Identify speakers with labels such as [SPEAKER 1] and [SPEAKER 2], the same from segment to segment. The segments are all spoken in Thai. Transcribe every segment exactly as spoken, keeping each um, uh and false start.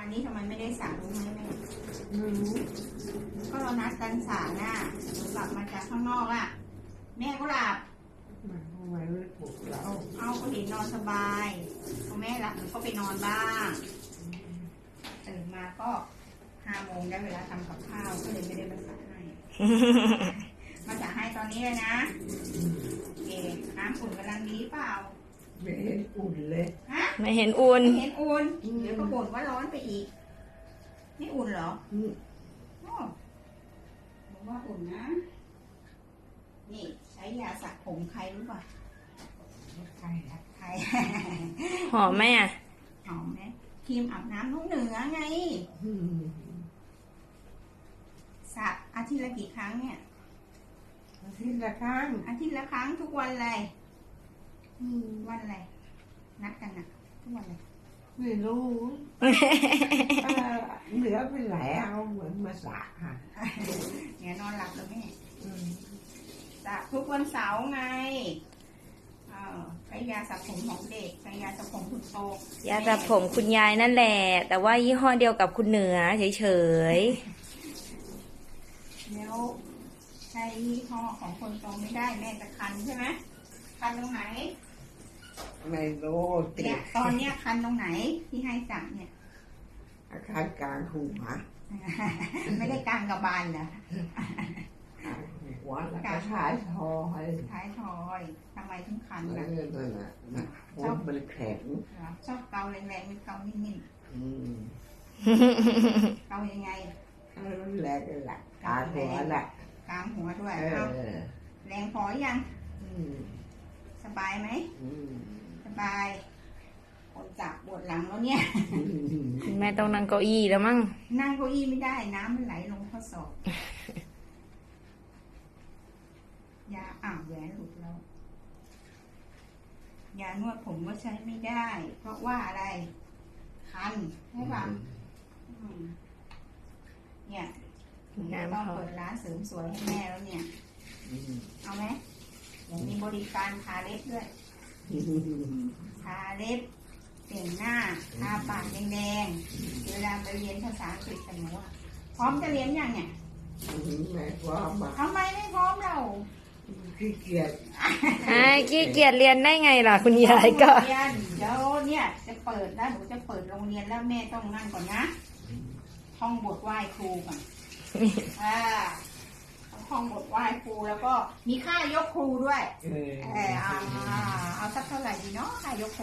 [SPEAKER 1] นี้ทำไมไม่ได้สระรู้ไหมแม่
[SPEAKER 2] ไม่รู้
[SPEAKER 1] ก็เรานัดกันสระน่ะหนูกลับมาจากข้างนอกอ่ะแม่ก็หลับ
[SPEAKER 2] มันทำไมไม่ปลุกเรา
[SPEAKER 1] เอาก็เห็นนอนสบายพอแม่หลับหนูก็ไปนอนบ้างตื่นมาก็ห้าโมงได้เวลาทำกับข้าวก็เลยไม่ได้มาสระให้ มาสระให้ตอนนี้เลยนะโอเคน้ำอุ่นกำลังดีเปล่า
[SPEAKER 2] ไม่เห็นอุ่นเลย
[SPEAKER 1] ฮะ
[SPEAKER 3] ไม่เห็นอุ่น
[SPEAKER 1] ไม่เห็นอุ่นเดี๋ยวก็บ่นว่าร้อนไปอีกนี่อุ่นเหรอ
[SPEAKER 2] อืม
[SPEAKER 1] อ๋อบอกว่าอุ่นนะ นี่ใช้ยาสระผมใครรู้ป่ะ
[SPEAKER 2] ใครอะ
[SPEAKER 1] ใคร
[SPEAKER 3] หอมไหมอ่ะ
[SPEAKER 1] หอมไหมครีมอาบน้ำน้องเหนือไง
[SPEAKER 2] อืม
[SPEAKER 1] สระอาทิตย์ละกี่ครั้งเนี่ย
[SPEAKER 2] อาทิตย์ละครั้ง
[SPEAKER 1] อาทิตย์ละครั้งทุกวันเลยอืมวันอะไร นัดกันนะทุกวันเลย
[SPEAKER 2] ไม่รู้เออเหลือไปไหลเอาเหมือนมาสระค่ะ
[SPEAKER 1] เนี่ยนอนหลับแล้วแม่
[SPEAKER 2] อืม
[SPEAKER 1] สระทุกวันเสาร์ไงเออใช้ยาสระผมของเด็กใช้ยาสระผมคุณโต
[SPEAKER 3] ยาสระผมคุณยายนั่นแหละ แต่ว่ายี่ห้อเดียวกับคุณเหนือเฉย
[SPEAKER 1] แล้วใช้ยี่ห้อของคนโตไม่ได้แม่จะคันใช่ไหมคันตรงไหน
[SPEAKER 2] ไม่รู้ติ
[SPEAKER 1] เนี่
[SPEAKER 2] ด
[SPEAKER 1] ยตอนเนี้ยคันตรงไหนที่ให้จับเนี่ย
[SPEAKER 2] อาการกลางหัว
[SPEAKER 1] ไม่ได้กลางกระบาลเหรอก
[SPEAKER 2] ลางหัวแล้วก็ท้ายทอย
[SPEAKER 1] ท้ายทอยทำไมถึงคัน
[SPEAKER 2] นั่
[SPEAKER 1] ล่ะ
[SPEAKER 2] นนั่นน่ะนะหัวมันแข็ง
[SPEAKER 1] ชอบเกาแรงๆไม่เกานิ่ม
[SPEAKER 2] อืม
[SPEAKER 1] ๆเกายังไง
[SPEAKER 2] เอาแรงกันละกลางหัวละ
[SPEAKER 1] กลางหัวด้วย
[SPEAKER 2] เอ
[SPEAKER 1] เอา
[SPEAKER 2] อ
[SPEAKER 1] แรงพอยัง
[SPEAKER 2] อืม
[SPEAKER 1] สบายไหม
[SPEAKER 2] อืม
[SPEAKER 1] สบายคนจับปวดหลังแล้วเนี่ย
[SPEAKER 3] ๆคุณแม่ต้องนั่งเก้าอี้แล้วมั้ง
[SPEAKER 1] นั่งเก้าอี้ไม่ได้น้ำมันไหลลงข้อศอกยาอ่าวแหวนหลุดแล้วยานวดผมก็ใช้ไม่ได้ เพราะว่าอะไร คันใช่ป่ะอืมเนี่ยผมจะต้องเปิดร้านเสริมสวยให้แม่แล้วเนี่ย
[SPEAKER 2] อืม
[SPEAKER 1] เอาไหมเดี๋ยวมีบริการทาเล็บด้วย ทาเล็บแต่งหน้าทาปากแดงๆเวลาไปเรียนภาษาอังกฤษกันหนูอะพร้อมจะเรียนยังเนี่ย
[SPEAKER 2] ไม่พร้อมอ่ะ
[SPEAKER 1] ทำไมไม่พร้อมเรา
[SPEAKER 2] ขี้เกียจ
[SPEAKER 3] ไอ้ขี้เกียจเรียนได้ไงล่ะ คุณยายก็
[SPEAKER 1] เรียนเดี๋ยวเนี่ยจะเปิดแล้วหนูจะเปิดโรงเรียนแล้วแม่ต้องนั่งก่อนนะท่องบทไหว้ครูก่อนอ่าต้องท่องบทไหว้ครูแล้วก็มีค่ายกครูด้วย
[SPEAKER 2] เออ
[SPEAKER 1] เออเอาเอาสักเท่าไหร่ดีเนาะค่ายกครู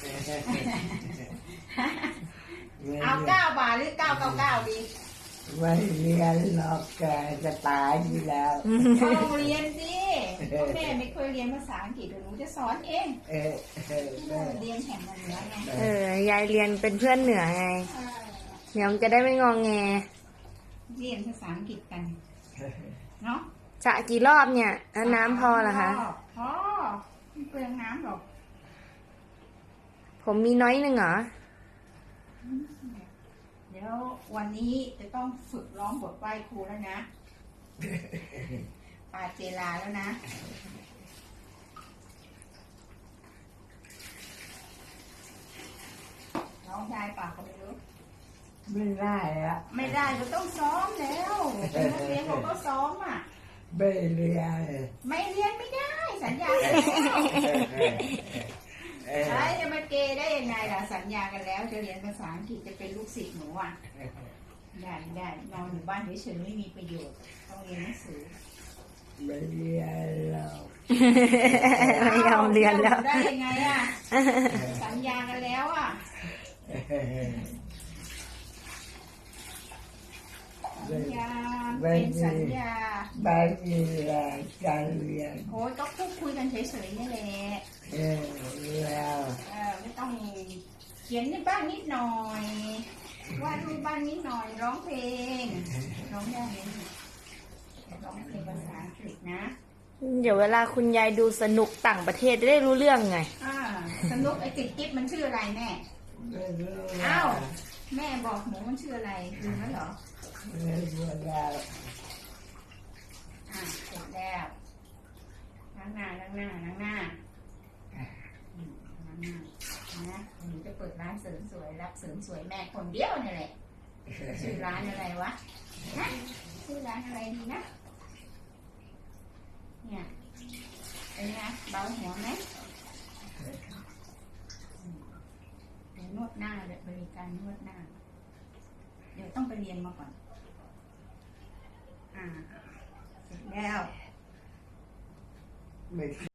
[SPEAKER 1] เอาเก้าบาทหรือเก้าเก้าเก้าดี
[SPEAKER 2] ไม่เรียนหรอกแกจะตายอยู่แล้ว
[SPEAKER 1] เข้าโรงเรียนสิพ่อแม่ไม่เคยเรียนภาษาอังกฤษเดี๋ยวหนูจะสอนเอง
[SPEAKER 2] เออเออเออ
[SPEAKER 1] เรียนแข่งกันเหนือไง
[SPEAKER 3] เออยายเรียนเป็นเพื่อนเหนือไง
[SPEAKER 1] เออ
[SPEAKER 3] เดี๋ยวมันจะได้ไม่งองแง
[SPEAKER 1] เรียนภาษาอังกฤษกันเนาะ
[SPEAKER 3] จะกี่รอบเนี่ยแล้วน้ำพอเหรอคะ
[SPEAKER 1] พอไม่เปลืองน้ำหรอก
[SPEAKER 3] ผมมีน้อยหนึ่งเหรอ
[SPEAKER 1] เดี๋ยววันนี้จะต้องฝึกร้องบทไหว้ครูแล้วนะปาเจลาแล้วนะร้องได้ปากก็ไม่รู้
[SPEAKER 2] ไม่ได้อะ
[SPEAKER 1] ไม่ได้ก็ต้องซ้อมแล้วเป็นนักเรียนเขาก็ซ้อมอ่ะ
[SPEAKER 2] ไม่เรียน
[SPEAKER 1] ไม่เรียนไม่ได้ สัญญากันแล้วใช่จะมาเกย์ได้ยังไงล่ะสัญญากันแล้วจะเรียนภาษาอังกฤษจะเป็นลูกศิษย์หนูอ่ะได้ได้นอนอยู่บ้านเฉยๆไม่มีประโยชน์ต้องเรียนหนังสือ
[SPEAKER 2] ไม่เรียนหรอก
[SPEAKER 3] ไม่ยอมเรียนแล้ว
[SPEAKER 1] ได้ยังไงอ่ะสัญญากันแล้วอ่ะสัญญาเป็นสัญญา
[SPEAKER 2] ไม่มีแรงจะเรียน
[SPEAKER 1] โอ้ยก็พูดคุยกันเฉยๆนี่แหละ
[SPEAKER 2] เออแล้ว
[SPEAKER 1] เออไม่ต้องเขียนในบ้านนิดหน่อยวาดรูปบ้านนิดหน่อยร้องเพลงร้องได้ไหมร้องเพลงภาษาอังกฤษนะ
[SPEAKER 3] เดี๋ยวเวลาคุณยายดูสนุกต่างประเทศจะได้รู้เรื่องไง
[SPEAKER 1] อ่าสนุกไอ้กิ๊บกิ๊บมันชื่ออะไรแม่
[SPEAKER 2] ไม่รู้
[SPEAKER 1] อ้าวแม่บอกหนูมันชื่ออะไรลืมแล้วเหรอ
[SPEAKER 2] ไม่รู้แล้ว
[SPEAKER 1] อ่ะเสร็จแล้วล้างหน้าล้างหน้าล้างหน้าอืมล้างหน้านะหนูจะเปิดร้านเสริมสวยรับเสริมสวยแม่คนเดียวนี่แหละชื่อร้านอะไรวะฮะชื่อร้านอะไรดีนะเนี่ยเป็นไงเบาหัวไหมเดี๋ยวนวดหน้าเดี๋ยวบริการนวดหน้าเดี๋ยวต้องไปเรียนมาก่อนอ่าเสร็จแล้ว
[SPEAKER 2] ไม่